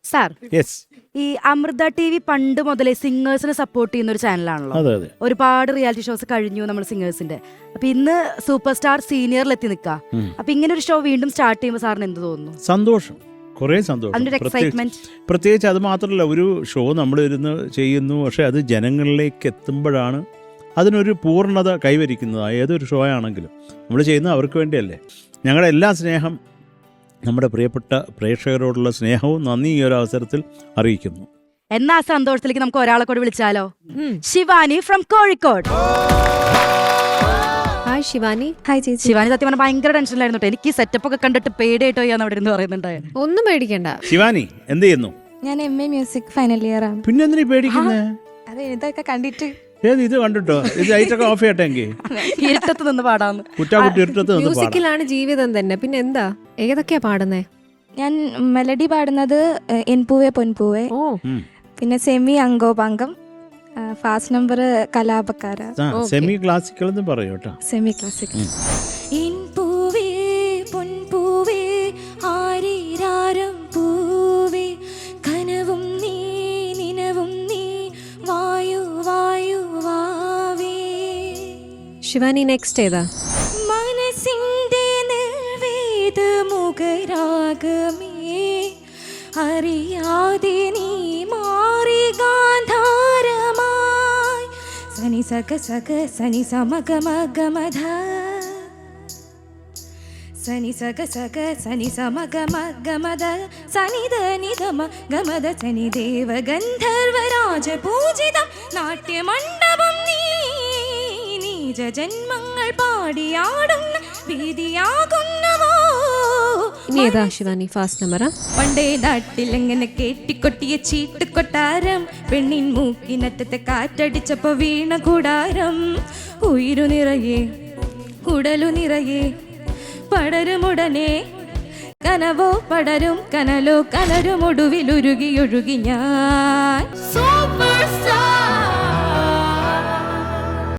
Sir, ഈ Amrita TV പണ്ട് മുതലേ സിംഗേഴ്സിനെ സപ്പോർട്ട് ചെയ്യുന്ന ഒരു ചാനലാണല്ലോ. ഒരുപാട് റിയാലിറ്റി ഷോസ് കഴിഞ്ഞു നമ്മൾ സിംഗേഴ്സിന്റെ. അപ്പൊ ഇന്ന് സൂപ്പർ സ്റ്റാർ സീനിയറിൽ എത്തി നിൽക്കുക. അപ്പൊ ഇങ്ങനെ ഒരു ഷോ വീണ്ടും സ്റ്റാർട്ട് ചെയ്യുമ്പോൾ സാറിന് എന്ത് തോന്നുന്നു? സന്തോഷം, കുറേ സന്തോഷം. പ്രത്യേകിച്ച് അത് മാത്രമല്ല, ഒരു ഷോ നമ്മൾ ഇരുന്ന് ചെയ്യുന്നു, പക്ഷെ അത് ജനങ്ങളിലേക്ക് എത്തുമ്പോഴാണ് അതിനൊരു പൂർണ്ണത കൈവരിക്കുന്നത്. ഏതൊരു ഷോ ആണെങ്കിലും നമ്മൾ ചെയ്യുന്നത് അവർക്ക് വേണ്ടിയല്ലേ. ഞങ്ങളുടെ എല്ലാ സ്നേഹം, നമ്മുടെ പ്രിയപ്പെട്ട പ്രേക്ഷകരോടുള്ള സ്നേഹവും നന്ദി ഈ ഒരു അവസരത്തിൽ അറിയിക്കുന്നു. എന്നാ സന്തോഷത്തിലേക്ക് നമുക്ക് ഒരാളെ കൂടെ വിളിച്ചാലോ? Shivani from Kozhikode. Hi Shivani. Hi ചേച്ചി. ശിവാനി സത്യം പറഞ്ഞാൽ ഭയങ്കര ടെൻഷനിലായിരുന്നു. എനിക്ക് സെറ്റപ്പ് ഒക്കെ കണ്ടിട്ട് പേടിയായിട്ടോ ഞാൻ അവിടെ ഇരുന്ന് പറയുന്നുണ്ടായിരുന്നു. ഒന്നും പേടിക്കണ്ട. ശിവാനി എന്ത് ചെയ്യുന്നു? ഞാൻ MA മ്യൂസിക് ഫൈനൽ ഇയർ ആണ്. പിന്നെ എന്തിനാ പേടിക്കുന്നേ? അതെ, ഇതൊക്കെ കണ്ടിട്ട്. ഇത് കണ്ടിട്ടോ? ഇത് ലൈറ്റൊക്കെ ഓഫ് ചെയ്യട്ടെങ്കിൽ ഇരുട്ടത്ത് നിന്ന് പാടാന്ന്. മ്യൂസിക്കിലാണ് ജീവിതം തന്നെ. പിന്നെ എന്താ, ഏതൊക്കെയാ പാടുന്നേ? ഞാൻ മെലഡി പാടുന്നത് എൻ പൂവേ പൊൻപൂവേ, പിന്നെ സെമി അങ്കോപാങ്കം, ഫാസ്റ്റ് നമ്പർ കലാപക്കാര. സെമി ക്ലാസിക്കൽ എന്ന് പറയൂ കേട്ടോ. Semi classical. ശിവാനി നെക്സ്റ്റ് ഏതാ? മനസ്സിന്റെ നിർവേദ മുഖരാഗമേ, അറിയാതെ നീ മാറി ഗാന്ധാരമായി. സനി സക സക സനി സമഗ മഗമധ, സനി സക സക സനി സമഗ മഗമധ, സനി ധനി ധമ ഗമധ, സനി ദേവ ഗന്ധർവരാജ പൂജിതം നാട്യമണ്ഡപം നീ, ജന്മങ്ങൾ പാടിയാടുന്ന വീതിയാകുന്നവോ. ഇനി ഏതാ ശിവാനി ഫാസ്റ്റ് നമ്പറാ? പണ്ടേ നാട്ടിലെങ്ങനെ കേട്ടിക്കൊട്ടിയ ചീട്ട് കൊട്ടാരം, പെണ്ണിൻ മൂക്കിനറ്റത്തെ കാറ്റടിച്ചപ്പോ വീണ കൂടാരം. ഉയിരു നിറയെ കുടലു നിറയെ പടരുമുടനെ, കനവോ പടരും കനലോ കലരും, ഒടുവിലുരുകി ഒഴുകി ഞാൻ. Super star